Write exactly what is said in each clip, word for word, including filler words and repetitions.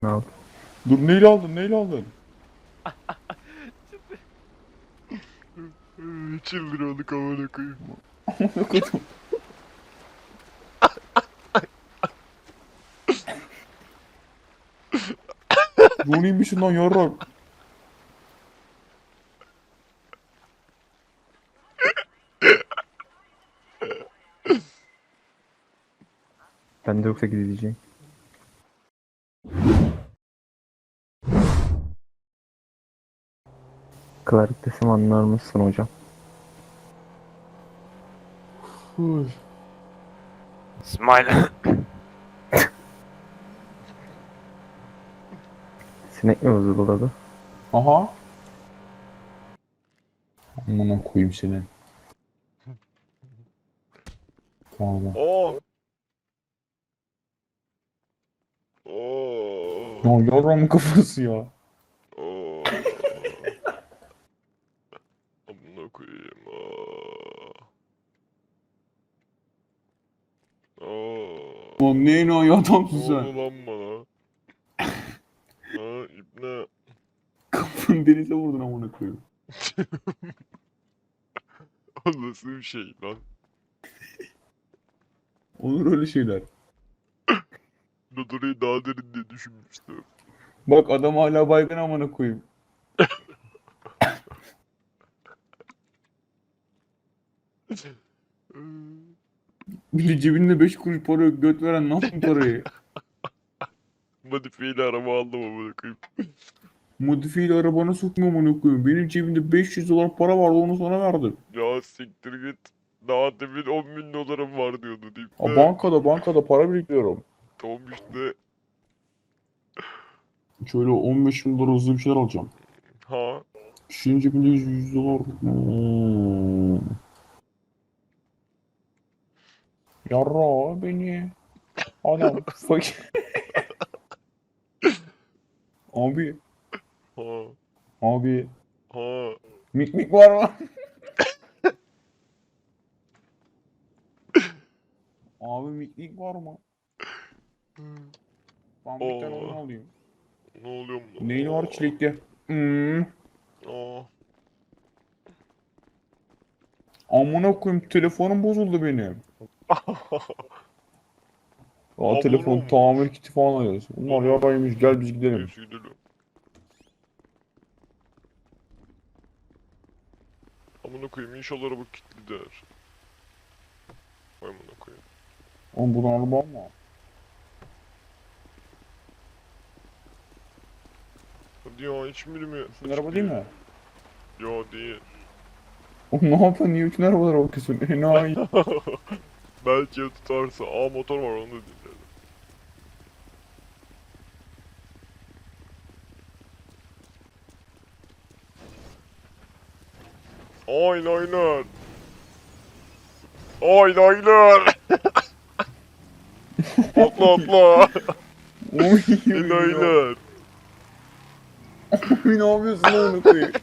Ne oldu? Dur neyle aldın neyle aldın? Çıldırıyorduk amına koyayım. Amına kodum. Johnny'mişsin lan yarrak. Ben de yoksa gideceğim. Clark desem anlar mısın hocam? Uy. Smile. Sinek mi vızıldadı? Aha. Amına koyayım seni. Tamam. Oo. Oo. Ya yarramın kafası ya. Oo. Amına koyayım. Aa. Aa. Lan neyin o ya Ne adamsın oldu sen? lan bana? Ha ibne. Kafanı denize vurdun amına koyayım. O nasıl bir şey lan? Olur öyle şeyler. Dodorayı daha derin diye düşünmüştüm. Bak adam hala baygın amına koyayım. Bir de cebinde beş kuruş para yok göt veren ne yaptın parayı? Modifiyeli araba aldım amına koyayım. Modifiyeli arabana sokma amına koyayım. Benim cebimde beş yüz dolar para vardı onu sana verdim. Ya siktir git. Daha demin on bin dolarım var diyordu deyip Ha, de. bankada bankada para biriktiriyorum. Tamam işte. Şöyle on beş bin dolar hızlı bir şeyler alacağım. Ha. Kişinin cebinde yüz, yüz dolar. Hmm. Yarra beni. Adam fakir. Abi. Ha. Abi. Ha. Mik mik var mı? Abi mik mik var mı? Ben bir tane onu Oo. alayım. Ne oluyor mu? Neyli var çilekli? Hmm. Aa. Amına koyayım telefonum bozuldu benim. Aa Abone telefon olmuş. tamir kiti falan alıyoruz. Bunlar Aa. yaraymış gel biz gidelim. Neyse gidelim. Amına koyayım inşallah araba kilitli der. Vay amına koyayım. Oğlum buradan araba alma. Hadi ya hiç mi bilmiyor? Senin araba değil mi? Yo değil. Oğlum ne yapıyorsun? Niye bütün arabalara bakıyorsun? Enayi. Belki ya tutarsa. Aa motor var onu da dinledim. Eyeliner. Eyeliner. Atla atla. Oy ya. Eyeliner. Oy ne yapıyorsun lan onu koyayım?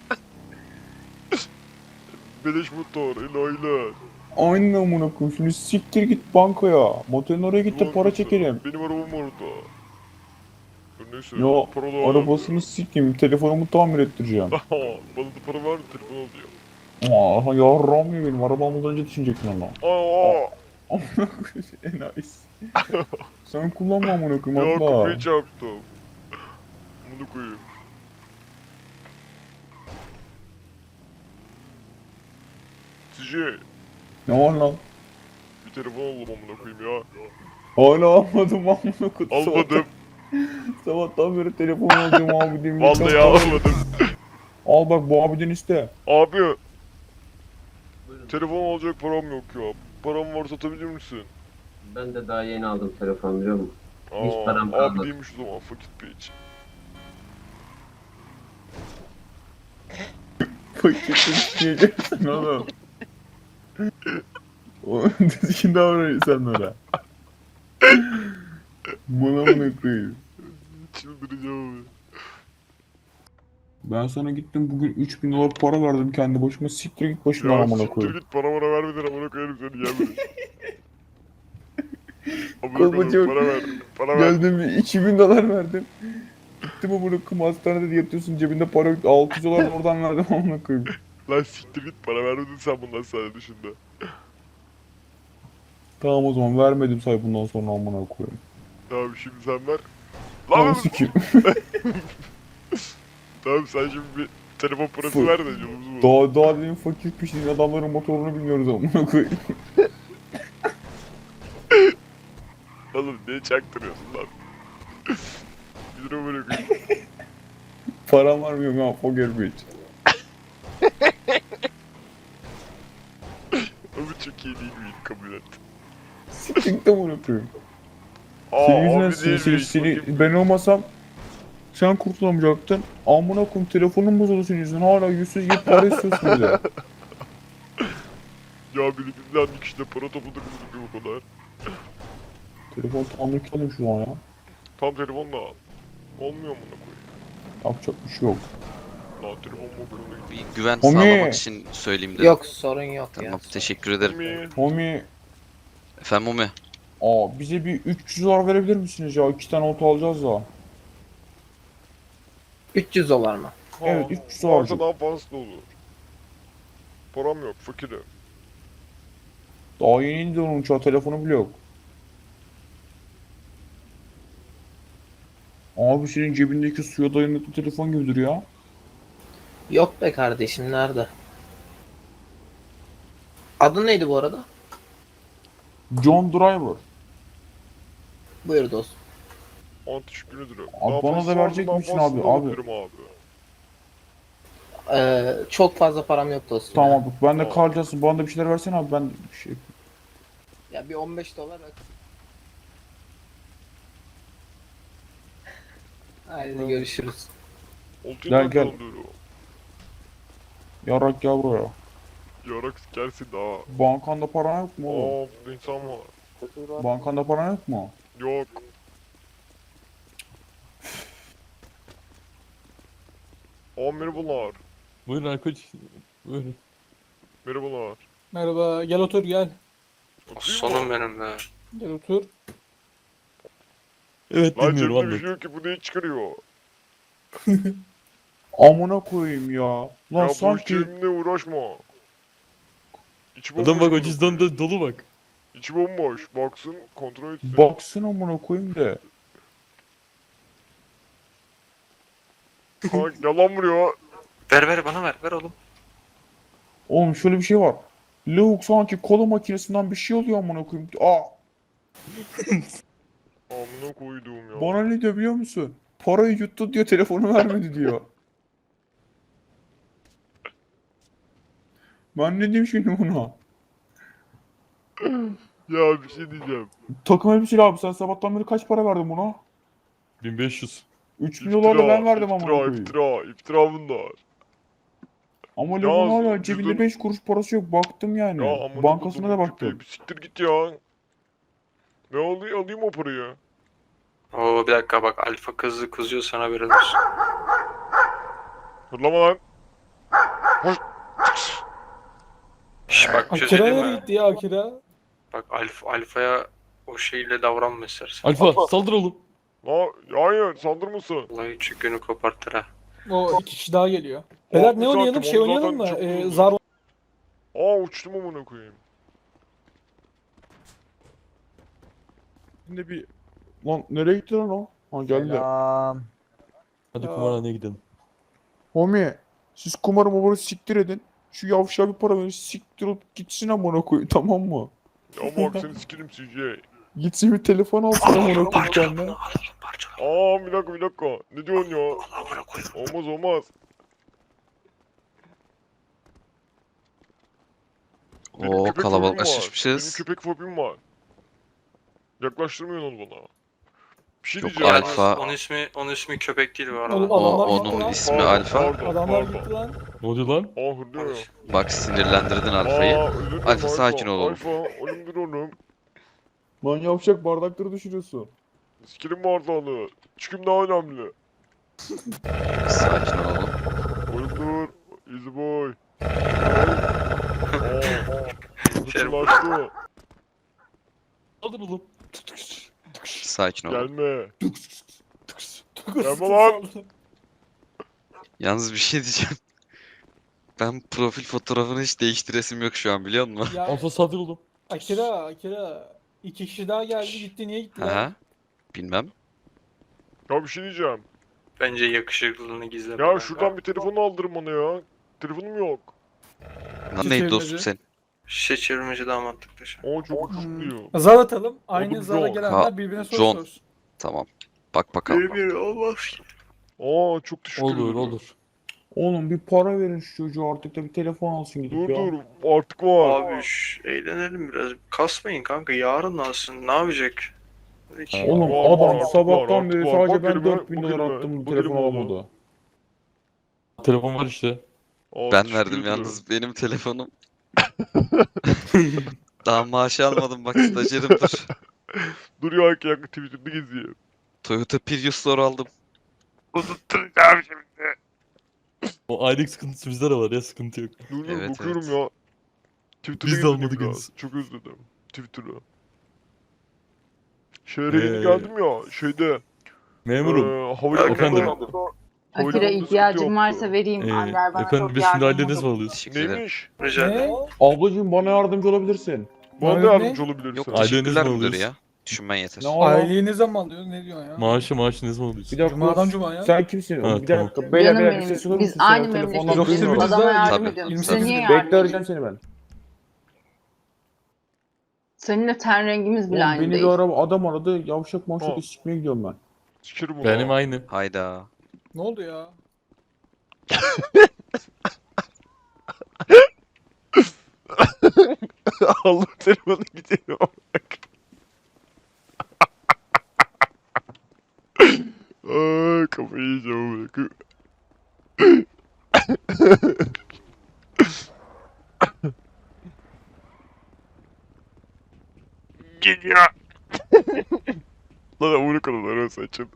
Beleş motor. Eyeliner. Aynen amına koyayım. Şimdi siktir git bankaya. Motelin oraya git de para çekelim. Benim arabam orada. Dur neyse. Ya Para da arabasını sikeyim. Telefonumu tamir ettireceğim. Aha, bana da para ver telefon alacağım. Aa yarram ya benim. Arabamdan önce düşünecektin onu. Aa, Amına koyayım. Enayisin. Sen kullanma amına koyayım ya atla. kapıyı çarptım. Bunu koyayım. C J, Ne var lan? bir telefon alalım amına koyayım ya. Hala almadım amına koyayım. Almadım. Sabahtan, sabahtan beri telefon alacağım abi demin. Vallahi almadım. Al bak bu abiden iste. Abi, telefon alacak param yok ya. Param var satabilir misin? Ben de daha yeni aldım telefon biliyor musun? Hiç Aa, param abi kalmadı. değilmiş o zaman fakir piç. Paketi düşeceksin oğlum. O düzgün davranıyor sen öyle. Bana mı koyayım? Çıldıracağım abi. Ben sana gittim bugün üç bin dolar para verdim kendi başıma siktir git başımdan Ya amına siktir koyayım. git para bana vermeden amına koyarım seni gelme. Amına Kolpa koyayım çok- para ver. Para ver. Geldim bir iki bin dolar verdim. Gittim amına koyayım hastanede yatıyorsun cebinde para yok. altı yüz dolar da oradan verdim amına koyayım. Lan siktir git para vermedin sen bundan sana dışında. Tamam o zaman vermedim say bundan sonra amına koyayım. Tamam şimdi sen ver. Tamam Lan sikeyim. tamam sen şimdi bir telefon parası Fu- ver de yolumuzu bul. Daha daha dedim fakir pişin adamların motorunu biniyoruz amına koyayım. Oğlum niye çaktırıyorsun lan? Bir lira bırakayım. Param var mı yok ha poker bitch. Ama çok iyi değil miyim kabul et. Siktir de amına koyayım. Aa Senin yüzünden abi seni, değil seni, miyim? seni, Bakayım. ben olmasam sen kurtulamayacaktın. Amına koyayım telefonun bozuldu senin yüzünden. Hala yüzsüz gibi para istiyorsun bize. Ya birbirinden bir kişide para topladık mı o kadar? Telefon tanrı kalın şu an ya. Tam telefonla al. Olmuyor mu ona koyayım? Yapacak bir şey yok. Lan telefon mobilini. Bir güven Homie. sağlamak için söyleyeyim dedim. Yok sorun yok Tamam, ya. teşekkür ederim. Mi? Homie, Efendim Umi? aa bize bir üç yüz dolar verebilir misiniz ya? İki tane oto alacağız da. üç yüz dolar mı? Evet, üç yüz Varsa alacak. daha fazla olur. Param yok, fakirim. Daha yeni indi onun uçağı, telefonu bile yok. Abi senin cebindeki suya dayanıklı telefon gibidir ya. Yok be kardeşim nerede? Adın neydi bu arada? John Driver. Buyur dostum. An teşekkür ederim. Abi Daha bana fazla da verecek daha misin fazla abi? da Abi. alabilirim abi. Ee, çok fazla param yok dostum. Tamam Ya, abi ben de Tamam. kalacağız. Bana da bir şeyler versene abi, ben bir şey... ya bir on beş dolar at. Haydi görüşürüz. Oldu Gel, ya gel. alıyorum. Yarak gel buraya. Yarak gelsin daha. Bankanda paran yok mu oğlum? Aa burada insan var. Bankanda paran yok mu? Yok. Aa merhabalar. Buyurun Erkoç. Buyurun. Merhabalar. Merhaba. Gel otur gel. Oturayım Sonum mı? benim be. Gel otur. Evet Lan dinliyorum cebimde bir anlat. şey yok ki bu neyi çıkarıyor? Amına koyayım ya. Lan ya boş sanki... cebimle uğraşma. İçi bomboş. Adam bak o bunun. cüzdanda dolu bak. İçi bomboş. Baksın kontrol etsin. Baksın amına koyayım de. Ha, yalan vuruyor. Ver ver bana ver ver oğlum. Oğlum şöyle bir şey var. Lavuk sanki kola makinesinden bir şey oluyor amına koyayım. Aa, Amına koyduğum ya. bana ne diyor biliyor musun? Parayı yuttu diyor, telefonu vermedi diyor. Ben ne diyeyim şimdi buna? Ya bir şey diyeceğim. Takım elbiseli abi, sen sabahtan beri kaç para verdin buna? bin beş yüz. üç bin dolar da ben verdim amına iftira, koyayım. iftira, iftira bunlar. Ama Ya, Lavuk'un hala cüzdan- cebinde beş kuruş parası yok, baktım yani. Ya amına Bankasına da koyduğum baktım. köpeği, Bir siktir git ya. Ne oluyor? Alayım o parayı. Oo bir dakika bak alfa kızı kızıyor sana haberin olsun. Hırlama lan. Şş bak bir şey Akira söyleyeyim nereye mi? gitti ya Akira? Bak alfa, alfaya o şeyle davranma istersen. Alfa saldır oğlum. La, hayır saldırmasın. Vallahi üç günü kopartır ha. O iki kişi daha geliyor. Beyler ne bir oynayalım? saatim, Şey onu oynayalım mı? zaten çok Ee, oldu. zar Aa uçtum amına koyayım. Şimdi bir... Lan nereye gitti lan o? Ha geldi. Hadi kumarhaneye gidelim. Homie, siz kumarı mumarı siktir edin. Şu yavşağa bir para verin, siktir olup gitsin amına koyayım, tamam mı? Ya bak seni sikerim C J. Gitsin bir telefon alsın amına koyayım Parçala kendine. bunu al parçala. Aa bir dakika bir dakika. Ne diyorsun ya? Allah amına koyayım. Olmaz olmaz. Benim Oo köpek fobim kalabalıklaşmışız. Benim köpek fobim var. Yaklaştırmıyorsun onu bana. Bir şey Yok, diyeceğim. alfa. Onun ismi onun ismi köpek değil bu Oğlum, arada. O Adamlar gitti onun lan. ismi Pardon, Alfa. pardon, Adamlar pardon. gitti lan. Ne oluyor lan? Aa hırlıyor. Bak sinirlendirdin Alfa'yı. Aa, özür dilerim Alfa, sakin ol oğlum. Alfa ölümdür oğlum. Lan yavşak, bardakları düşürüyorsun. Sikerim bardağını. Çıkım daha önemli. Sakin ol oğlum. Ölümdür. Easy boy. Aa, Şey- hırçınlaştı. Saldır oğlum. Sakin ol. Gelme. Gelme Gelme lan. Yalnız bir şey diyeceğim. Ben profil fotoğrafını hiç değiştiresim yok şu an biliyor musun? Ya Alfa sadır oğlum. Akira, Akira. İki kişi daha geldi gitti. Niye gitti ya? Aha. Bilmem. Ya bir şey diyeceğim. Bence yakışıklılığını gizleme. Ya şuradan bir telefon aldırın bana ya. Telefonum yok. Lan neydi dostum sen? Şişe çevirmeci damatlık dışı. Aa çok kısıtlıyor. Zar atalım. Aynı Oğlum, zara John. gelenler Ha, birbirine soru John. sorsun. Tamam. Bak bakalım. Bir olmaz ki. Aa çok teşekkür ederim. Olur olur. Oğlum bir para verin şu çocuğa artık da bir telefon alsın gidip Dur ya. dur artık var. Abi şş, eğlenelim biraz. Kasmayın kanka, yarın alsın. Ne yapacak? Hiç. Oğlum Var, adam var, artık sabahtan var, beri artık var. sadece Bak ben elime, dört bin bak dolar elime, attım bu bak telefon elime almadı. Telefon var işte. Aa, Ben teşekkür verdim ederim. yalnız benim telefonum. Daha maaşı almadım bak stajyerim dur. Dur ya ki yakın Twitter'da gezeyim. Toyota Prius Store aldım. Unutturacağım şimdi. O aylık sıkıntısı bizde de var ya, sıkıntı yok. Dur dur Evet, bakıyorum evet. ya. Twitter'da Biz de gezeyim almadık biraz. henüz. Çok özledim. Twitter'ı. Şehre yeni Ee, geldim ya şeyde. Memurum. Eee havalimanında. Efendim? havalimanında Akira sıkıntı ihtiyacım varsa yoktu. vereyim. Ee, Ander bana efendim çok biz şimdi yardımcı aileniz mi oldu. alıyoruz? Teşekkür ederim. Neymiş? Rica ederim. Ablacığım bana yardımcı olabilirsin. Bana da Ne? yardımcı olabilirsin. Yok Aileniz teşekkürler mi müdür alıyoruz? ya. Düşünmen yeter. Ne var? Aileyi ne zaman alıyorsun? Ne diyorsun ya? Maaşı maaşı ne zaman alıyorsun? Bir dakika. Cuma'dan Cuma ya. Sen kimsin? Ha, bir tamam. dakika. Beyler Canım beyler bir benim, şey sorur biz musun? Sen aynı telefondan memleketteniz. duymuyorum. Biz de- Adama yardım Tabii, ediyorum. tabii. Size niye Bekle yardım arayacağım edeyim? seni ben. Seninle ten rengimiz bile Oğlum aynı beni değil. bir araba adam aradı. Yavşak Ha. mavşak sikmeye gidiyorum ben. Sikerim onu. Benim aynı. Hayda. Ne oldu ya? Allah telefonu gidiyor. Aa, kafayı yiyeceğim bırakı. Geliyor. Lan amına kadar lan saçım.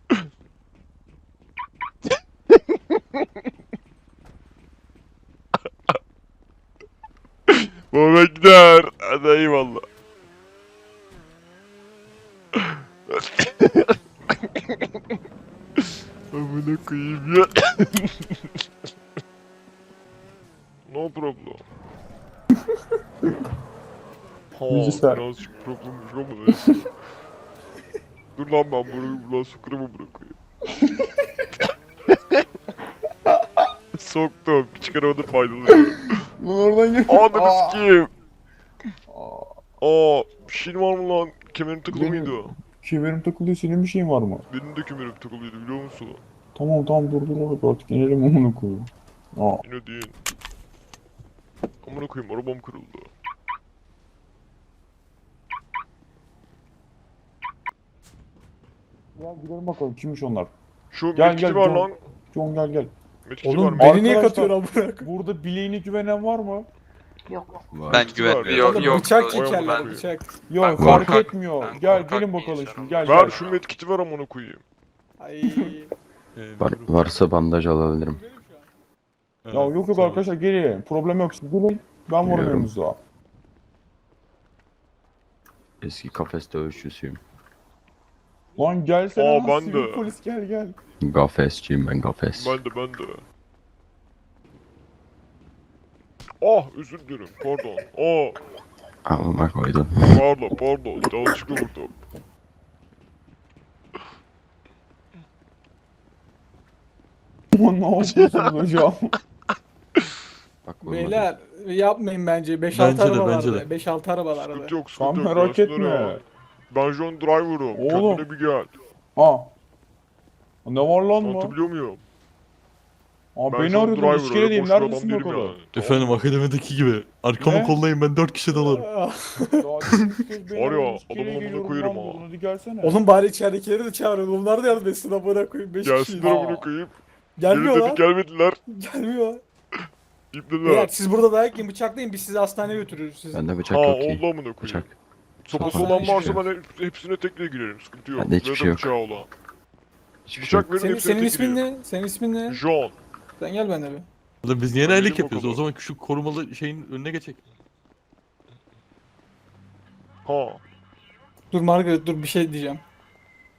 Baba gider. Hadi eyvallah. Amına koyayım ya. No problem. Ha, Bilgisayar. birazcık problemmiş ama neyse. Dur lan ben bunu buradan sokarımı bırakayım. Soktum. Çıkaramadım faydalı. Lan oradan gel. Ananı sikeyim. Aa, bir şeyin var mı lan? Kemerim takılı Benim- mıydı? Kemerim takılıyor. Senin bir şeyin var mı? Benim de kemerim takılıydı biliyor musun? Tamam tamam dur dur dur artık inelim amına koyayım. Aa. Yine değil. Amına koyayım arabam kırıldı. Gel gidelim bakalım kimmiş onlar. Şu Gel, metkiti gel, var John. lan. John gel gel. Metkiti Oğlum var mı? beni niye Arkadaşlar- katıyorsun amına koyayım? Burada bileğine güvenen var mı? Yok. Ben Metkiti var. güvenmiyorum. Yok, Oğlum yok. bıçak yok, çekerler ben- bıçak. Yok Ben fark korkak- etmiyor. ben Gel korkak gelin bir bakalım insanım. şimdi gel Ver gel. şu metkiti ver amına koyayım. Ay. Ee, Var, memurum. varsa bandaj alabilirim. Ha, Ya yok yok tamam. arkadaşlar gelin. Problem yok. Siz gelin. Ben varım Biliyorum. yanınızda. Eski kafes dövüşçüsüyüm. Lan gelsene Aa, lan ben sivil de. polis gel gel. Gafesçiyim ben gafes. Ben de ben de. Ah özür dilerim pardon. Aa Alma koydum. pardon pardon yanlışlıkla vurdum. Aman ne yapıyorsunuz hocam? Bak vurmadım. Beyler yapmayın bence. beş Bence altı de, araba bence vardı. de. beş altı araba vardı. Sıkıntı yok Sen sıkıntı yok. merak gelsinler etme. ya. Ben John Driver'ım. Oğlum. Kendine bir gel. Ha. Ne var lan mı? Anlatabiliyor muyum? Aa Ben beni John arıyordun Driver, iskeledeyim öyle boş bir neredesin adam değilim bakalım? yani. Efendim akademideki gibi. Arkamı Ne? kollayın ben dört kişi dalarım. Daha dün kez beni Var ya, aradın, iskeleye adamın amına geliyorum koyarım lan ha. buradan, Hadi gelsene. Oğlum bari içeridekileri de çağırın. Onlar da yardım etsin amına koyayım. beş kişiyiz. Gelsinler amına koyayım. Gelmiyor Gelin lan. dedi gelmediler. Gelmiyor. İpneler. Beyler siz burada dayak yiyin bıçaklayın biz sizi hastaneye götürürüz sizi. Bende bıçak Ha yok ki. oldu amına koyayım. Bıçak. Sopası Tamam. olan Hiçbir varsa şey yok. ben hep- hepsine tekle girerim. Sıkıntı yok. Bende hiçbir Ya da şey yok. bıçağı olan. Hiçbir şey yok. Bıçak verin Senin, hepsine senin tek ismin gireyim. ne? Senin ismin ne? John. Sen gel benimle bir. Oğlum biz niye Hadi aylık gidin yapıyoruz? O bakalım. zaman şu korumalı şeyin önüne geçek. Ha. Dur Margaret dur bir şey diyeceğim.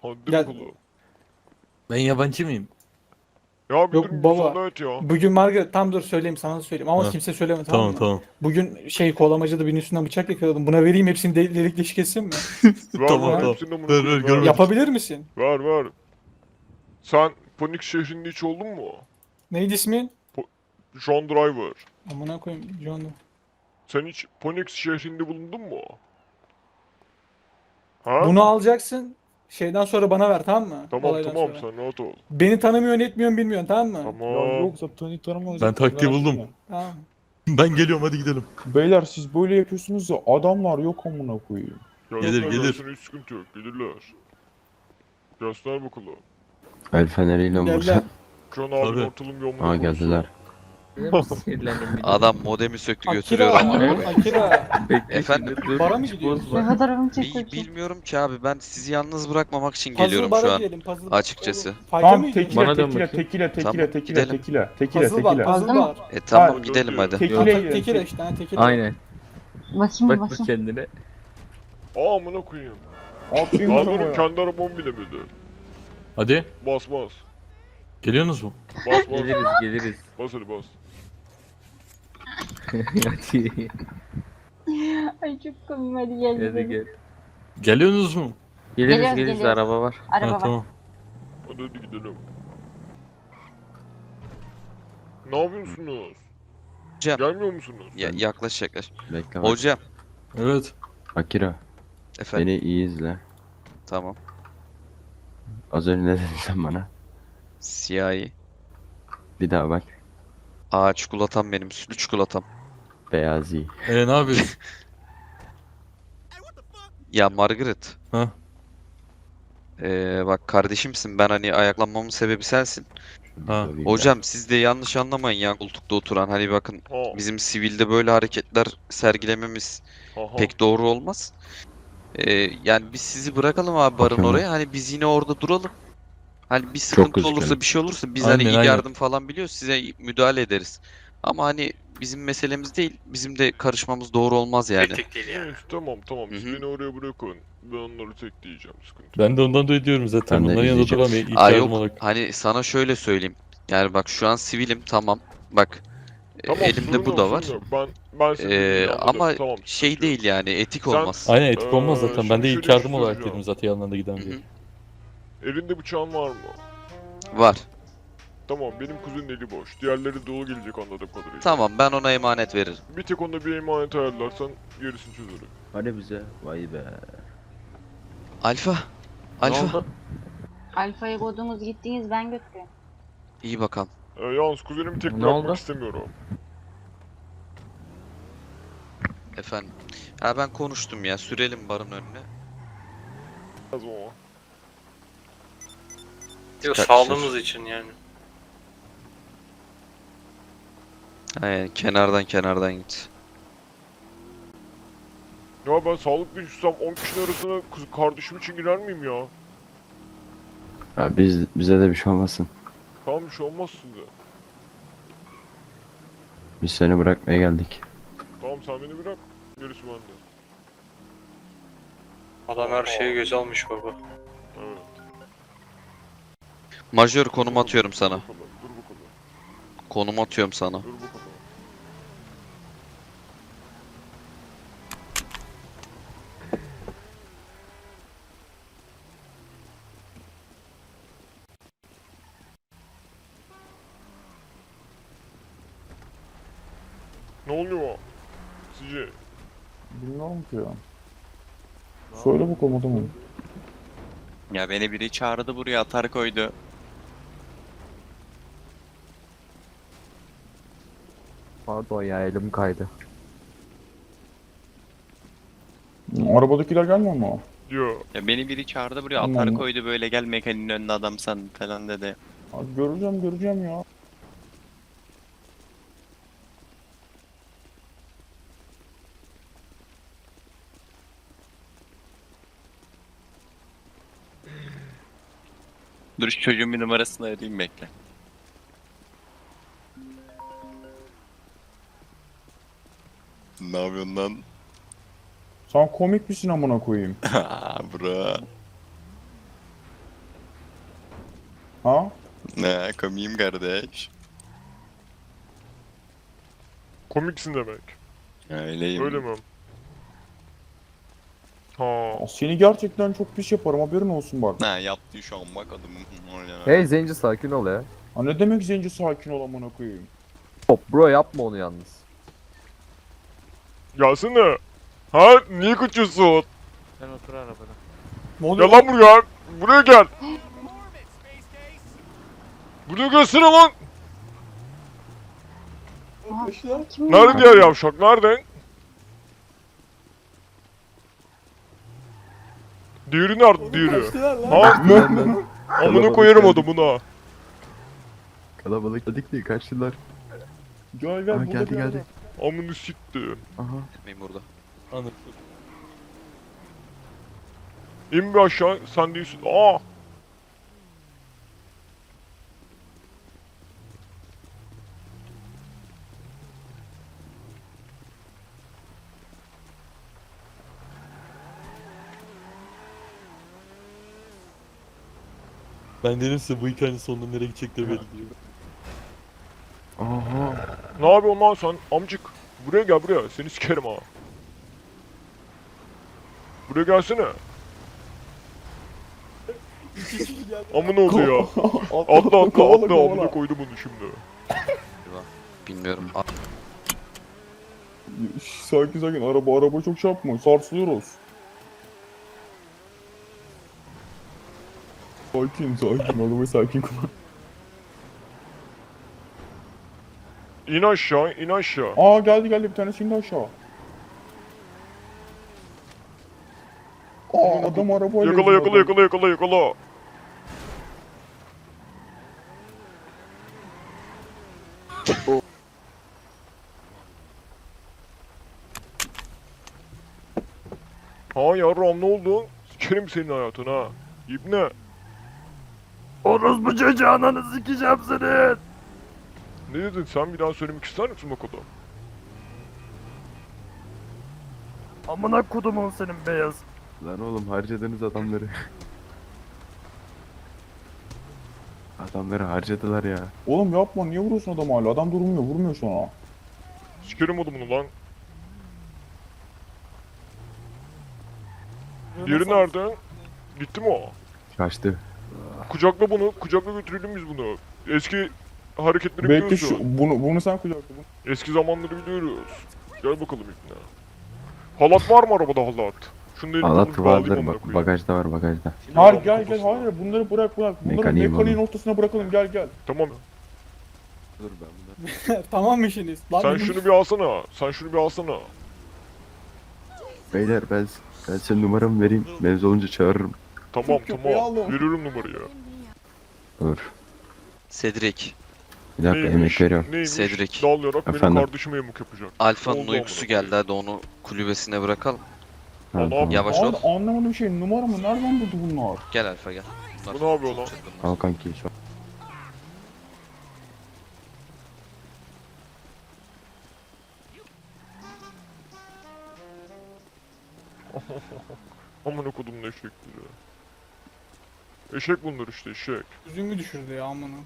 Hadi Gel. bakalım. Ben yabancı mıyım? Ya bir Yok durun, baba. müsaade et ya. Bugün Margaret tam dur söyleyeyim sana söyleyeyim ama Ha. kimse söyleme tamam, Tamam mı? tamam. Bugün şey kolamacıda birinin üstünden bıçak yakaladım. Buna vereyim hepsini de- delik deşik etsin mi? Ver Tamam, ver tamam. hepsini amına Ver, ver, koyayım, görmedim. Yapabilir misin? Ver ver. Sen Panik şehrinde hiç oldun mu? Neydi ismin? John Driver. Amına koyayım John. Sen hiç Phoenix şehrinde bulundun mu? Ha? Bunu alacaksın. Şeyden sonra bana ver tamam mı? Tamam Olaydan tamam sonra. sen rahat ol. Beni tanımıyorsun etmiyorsun bilmiyorsun tamam mı? Ya Tamam. yoksa tanı tanımaz. Ben taktiği buldum. Tamam. Ben geliyorum hadi gidelim. Beyler siz böyle yapıyorsunuz ya adamlar yok amına koyayım. Gelsinler, Gelir, gelir. gelsin, hiç sıkıntı yok. Gelirler. Göster bakalım. El feneriyle mi Gel vursa? lan. Şu an Tabii. abin ortalım bir omuna Aa geldiler. Adam modemi söktü Akira, götürüyor ama. Akira. Efendim? Bara mı gidiyorsun? Ne kadar övün Bil- çekiyorsun. bilmiyorum ki abi, ben sizi yalnız bırakmamak için Puzzle geliyorum bara şu an. gidelim, puzzle- açıkçası. Oğlum, fight'e Tamam mi gidiyorsun? tekile Bana dön tekile bakayım. tekile tekile Tamam, tekile gidelim. tekile tekile Puzzle var, tekile. puzzle Aldım. var. E tamam Ha, gidelim hadi. Tekile Ata- yiyin. tekile işte, ha, tekile. Aynen. Bakayım Bak bir bak bakayım. kendine. Aa amına koyayım. Aferin Lan sana benim ya. kendi arabam bilemedi. Hadi. Bas bas. Geliyorsunuz mu? Bas bas. geliriz. Bas hadi bas. Hadi. Ay çok komik hadi gel gidelim. Geliyorsunuz mu? Geliyoruz geliyoruz. Araba var. Araba Ha, var. tamam. Hadi hadi gidelim. Ne yapıyorsunuz? Hocam. Gelmiyor musunuz? Ya, yaklaş yaklaş. Bekle bak. Hocam. Evet. Akira Efendim. beni iyi izle. Tamam. Az önce ne dedin sen bana? Siyahi. Bir daha bak. Aa çikolatam benim. Sütlü çikolatam. Beyazi. Ee ne yapıyorsun? Ya Margaret. Ha? Ee, bak kardeşimsin. Ben hani ayaklanmamın sebebi sensin. Ha. Hocam siz de yanlış anlamayın ya, koltukta oturan. Hani bakın Ha. bizim sivilde böyle hareketler sergilememiz Aha. pek doğru olmaz. Ee, yani biz sizi bırakalım abi barın Bakın. oraya. Hani biz yine orada duralım. Hani bir sıkıntı üzgünüm. olursa, bir şey olursa biz Aynen, hani ilk aynen. yardım falan biliyoruz, size müdahale ederiz. Ama hani bizim meselemiz değil. Bizim de karışmamız doğru olmaz yani. Kritik değil yani. Neyse, tamam tamam siz Hı hı. beni oraya bırakın. Ben onları tek diyeceğim, sıkıntı yok. Ben de ondan dolayı diyorum zaten. Ben de Bunların yanında izleyeceğim. duramayız. İlk Aa yardım yok, olarak. hani sana şöyle söyleyeyim. Yani bak şu an sivilim, tamam. Bak e, Tamam, elimde sorun bu yok, da sorun var. yok. Ben ben seni Ee, anladım. ama Tamam, şey sıkıntı yok. değil yani, etik Sen- olmaz. Aynen etik olmaz Ee, zaten. Ben şimdi de ilk şöyle yardım bir şey olarak soracağım. dedim zaten yanlarına giden Hı diye. hı. Elinde bıçağın var mı? Var. Tamam, benim kuzenin eli boş. Diğerleri dolu gelecek anladığım kadarıyla. Tamam, ben ona emanet veririm. Bir tek onda bir emanet ayarlarsan gerisini çözerim. Hadi bize. Vay be. Alfa. Alfa. Alfa'yı kodunuz gittiniz ben götürüyorum. İyi bakalım. Ee, yalnız kuzenimi tek Ne bırakmak oldu? istemiyorum. Efendim. Ha ben konuştum ya. Sürelim barın önüne. Lazım ama. Yok Kaç- sağlığımız için yani. Aynen, kenardan kenardan git. Ya ben sağlıklı düşsem on kişinin arasına kız kardeşim için girer miyim ya? Ya biz bize de bir şey olmasın. Tamam, bir şey olmaz size. Biz seni bırakmaya geldik. Tamam, sen beni bırak. Gerisi bende. Adam her şeyi göze almış baba. Evet. Majör konum atıyorum sana. Dur bakalım, dur bakalım. Konum atıyorum sana. Dur bakalım. Ne oluyor? Sizce? Bilmiyorum ki ya. Söyle bakalım adamım. Ya beni biri çağırdı buraya atar koydu. Pardon ya elim kaydı. Arabadakiler gelmiyor mu? Diyor. Ya beni biri çağırdı buraya Tamam. atar koydu böyle gel mekaniğin önüne adam sen falan dedi. Abi göreceğim göreceğim ya. Dur şu çocuğun bir numarasını arayayım bekle. Ne yapıyorsun lan? Sen komik misin amına koyayım? Bro. Ha? Ne komiyim kardeş. Komiksin demek. Öyleyim. Öyle mi? Ha. Ya seni gerçekten çok pis yaparım haberin olsun bak. Ne yaptı şu an bak adım. Hey Zenci sakin ol ya. Ha ne demek zenci sakin ol amına koyayım. Hop bro yapma onu yalnız. Gelsene. Ha niye kaçıyorsun? Sen otur arabada. Ne oluyor? Gel lan buraya. Buraya gel. Buraya gelsene lan. Kim Nerede diğer yavşak? Nerede? Diğeri nerede diğeri? Kaçtılar lan. Ha? Amına koyarım adamına. Kalabalık dedik değil kaçtılar. Gel gel Aa, burada geldi bir geldi. Amını sikti. Aha. Etmeyin burada. Anladım. İn bir aşağı. Sen değilsin. Aa. Ben dedim size bu hikayenin sonunda nereye gidecekleri belli değil. Aha. Ne yapıyorsun lan sen? Amcık. Buraya gel buraya. Seni sikerim ha. Buraya gelsene. Amına oldu ya. Atla atla kovala, atla. kovala. Amına koydum bunu şimdi. Bilmiyorum. A- Şş, Sakin sakin araba araba çok şey yapma sarsılıyoruz. Sakin sakin arabayı sakin kullan. İn aşağı, in aşağı. Aa geldi geldi bir tane şimdi aşağı. Aa adam arabayla Yakala yazıyor yakala adam. yakala yakala yakala. Ha yarram ne oldu? Sikerim senin hayatını ha. İbne. Orospu çocuğu ananı sikeceğim senin. Ne dedin sen bir daha söylemek ister misin bakalım? Amına kodumun senin beyaz. Lan oğlum harcadınız adamları. Adamları harcadılar ya. Oğlum yapma niye vuruyorsun adamı hala adam durmuyor vurmuyor sonra. Sikerim adamını lan. Diğeri nerede? Gitti mi o? Kaçtı. Kucakla bunu, kucakla götürelim biz bunu. Eski hareketleri Bekle biliyorsun. şu bunu bunu sen kucakla bunu. Eski zamanları biliyoruz. Gel bakalım İbne. Halat var mı arabada halat? Şunu da elimden Halat bir bağlayayım vardır amına bak koyayım. bagajda var bagajda. Hayır Adamın gel gel kafasına. hayır bunları bırak bırak. Bunları Mekaniği mekaniğin var. ortasına bırakalım gel gel. Tamam. Dur ben bunu. Tamam mı işiniz? Lan Sen benim- şunu bir alsana. Sen şunu bir alsana. Beyler ben ben senin numaramı vereyim. Mevzu olunca çağırırım. Tamam köpeği tamam. aldım. Veriyorum numarayı. Dur. Cedric. Bir dakika emek veriyorum. Neymiş? Cedric. Dalayarak benim Efendim? kardeşime yamuk yapacak. Alfa'nın Oldu uykusu amına geldi koyayım. hadi onu kulübesine bırakalım. Ha, Adam- tamam. Yavaş ol. Abi anlamadım şey numara mı nereden buldu bunlar? Gel Alfa gel. Bunlar Bu ne yapıyor çok lan? çılgınlar. Al kanki şu an. Amına kodumun eşekleri. Eşek bunlar işte eşek. Yüzümü düşürdü ya amına.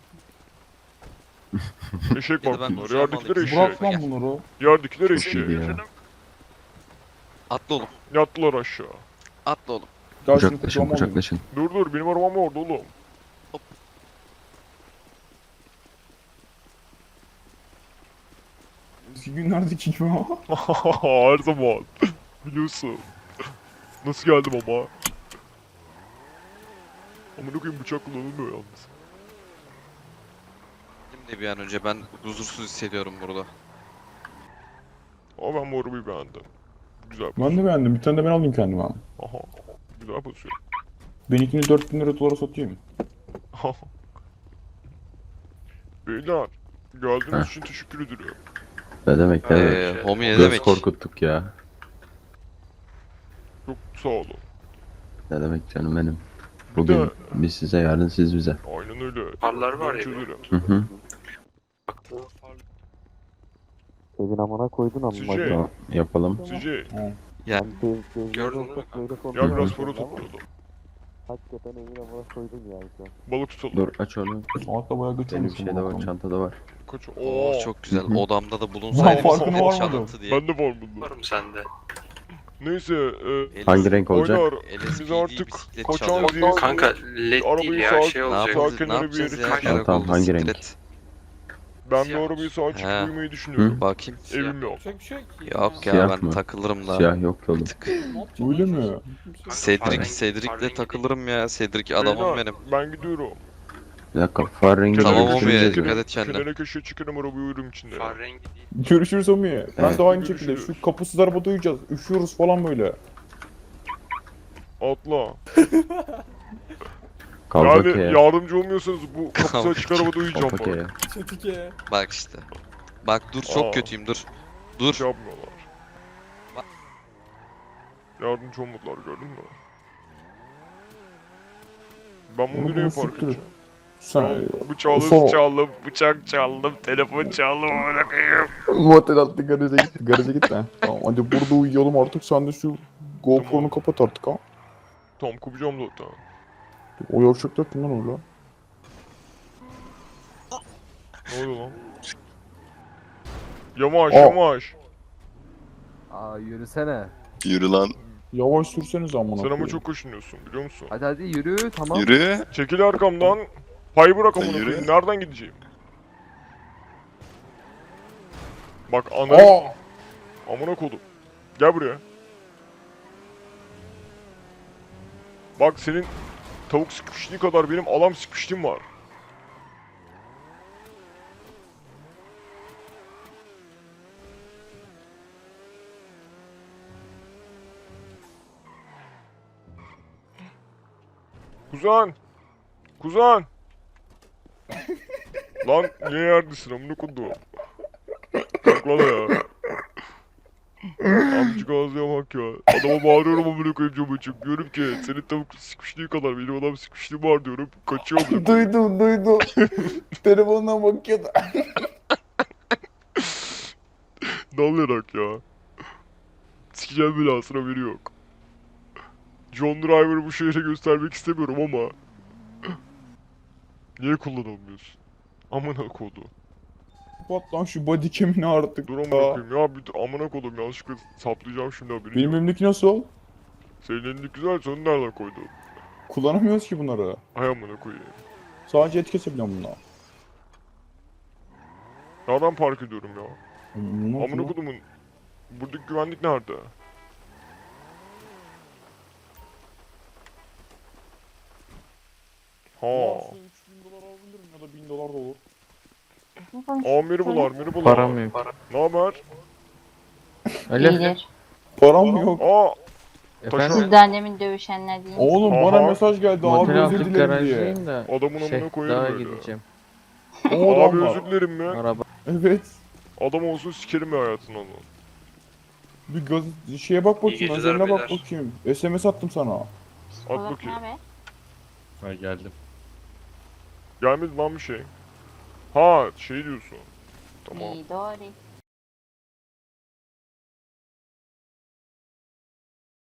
Eşek Ya bak da ben bunlar. kucağıma Yerdekiler alayım. eşek. Bırak Gel. lan bunları. Yerdekiler Çok iyiydi eşek. ya. Atla oğlum. Yattılar aşağı. Atla oğlum. Gel şunu Kucaklaşın kucağıma alayım. kucaklaşın. Dur dur benim arabam orada oğlum. Eski günlerdeki gibi ama. Her zaman. Biliyorsun. Nasıl geldim ama? Amına koyayım bıçak kullanılmıyor yalnız. Benim de bir an önce ben huzursuz hissediyorum burada. Ama ben bu arabayı beğendim. Güzel Ben de beğendim. Bir tane de ben alayım kendime. Aha. Güzel basıyor. Benimkini dört bin lira dolara satayım. Beyler. Geldiğiniz Heh. için teşekkür ederim. Ne demek ne demek. Eee homie ne Göz demek? korkuttuk ya. Çok sağ olun. Ne demek canım benim. de- Bugün biz size yarın siz bize. Aynen öyle. Farlar var Ben ya. çözerim. Hı hı. Evin amına koydun ama. Sizce, Tamam, yapalım. sizce. Ya Gördün mü? Ya biraz para toplayalım. Hakikaten evin amına koydun yani şu an. Balık tutalım. Dur aç onu. Altta bayağı götürmüş. Benim şeyde var, çantada var. Kaç? Oo Oo. çok güzel. Odamda da Lan bulunsaydı farkına varmadım. çalıntı diye. Ben de var bunda. Varım sende. Neyse, e, Hangi renk olacak? oynar. L S Biz P D artık bisiklet kaçağız çalıyor. diye. Kanka led Arabayı değil ya sağ- şey Ne olacak. Sağ yapacağız, ne kenara bir yapacağız yere ya? kaçalım. Tamam, tamam, Karakolda hangi renk? siklet. Ben de Siyah arabayı sağa çıkıp He. uyumayı düşünüyorum. Bakayım. Evim yok. Yapacak bir şey yok ki. Yok ya Siyah ben mı? takılırım da. Siyah yok ki oğlum. Bir tık. Ne yapacaksın Öyle lan? mi? Kanka, Cedric, farrengi- Cedric'le farrengi takılırım ya. Cedric adamım Beyler, benim. Ben gidiyorum. Bir dakika far rengi Tamam, Tamam Kenara Omi köşeye dikkat çıkıyorum. et kendine. Kenara köşeye çıkarım arabayı uyurum içinde. değil. Farrengi değil. Görüşürüz Omi. Ben Evet. de aynı şekilde Görüşürüz. şu kapısız arabada uyuyacağız. Üşüyoruz falan böyle. Atla. Kalbake Yani ya. yardımcı olmuyorsanız bu kapısı açık arabada uyuyacağım Kalbake bak. ya. Çetike. Bak işte. Bak dur çok Aa. kötüyüm dur. Dur. Şey yapmıyorlar. Yardımcı olmadılar gördün mü? Ben bunu Bunu nereye bunu park siktir. edeceğim? Sen Bıçağı Son- çaldım, bıçak çaldım, telefon çaldım, amına koyayım. motel attı garaja git. Garaja git lan. Tamam hadi burada uyuyalım artık. Sen de şu GoPro'nu Tamam. kapat artık ha. Tam kopacağım zaten. O yavşaklar kim lan öyle? Ne oluyor lan? Yavaş Aa. yavaş. Aa yürüsene. Yürü lan. Yavaş sürseniz amına Sen ama koyayım. çok koşunuyorsun biliyor musun? Hadi hadi yürü tamam. Yürü. Çekil arkamdan. Pay bırak amına Yürü. koyayım. Nereden gideceğim? Bak ana Aa! amına kodum. Gel buraya. Bak senin tavuk sıkıştığı kadar benim alam sıkıştığım var. Kuzen! Kuzen! Lan niye yerdesin amına kodum? Kalk lan ya. Amcık ağzıya bak ya. Adama bağırıyorum amına koyayım camı açıp. Diyorum ki senin tavuk sıkıştığı kadar benim adam sıkıştığı var diyorum. Kaçıyor amına koyayım. Duydum duydum. Telefonuna bakıyordu. Dalayarak ya. Sikeceğim belasına biri yok. John Driver'ı bu şehre göstermek istemiyorum ama. Niye kullanılmıyorsun? Amına kodu. Kapat lan şu body cam'ini artık. Dur amına ya. koyayım ya bir amına kodum yanlışlıkla saplayacağım şimdi haberin Benim yok. elimdeki nasıl? Senin elindeki güzel sen nereden koydun? Kullanamıyoruz ki bunları. Hay amına koyayım. Sadece et kesebiliyorum bununla. Nereden park ediyorum ya? Ne Amına yapıyor? kodumun buradaki güvenlik nerede? Ha. Ya şu üç bin dolar alabilirim ya da bin dolar da olur. Ne konuşuyorsun? Amiri bular, miri bular. Param yok. Ne haber? Alo. İyidir. Param yok. Aa, Efendim? Siz de annemin dövüşenler değil misiniz? Oğlum Aha. bana mesaj geldi abi Motel özür aldık dilerim diye. garajdayım da. adamın Şey amına koyarım daha öyle. gideceğim. O Abi adam var. özür dilerim mi? Araba. Evet. Adam olsun sikerim ya hayatını onu. Bir gaz şeye bak İyi bakayım, geceler özeline bak beyler. bakayım. S M S attım sana. Psikolog bakayım. ne haber? Ha geldim. Gelmedi lan bir şey. Ha şey diyorsun. Tamam. İyi doğru.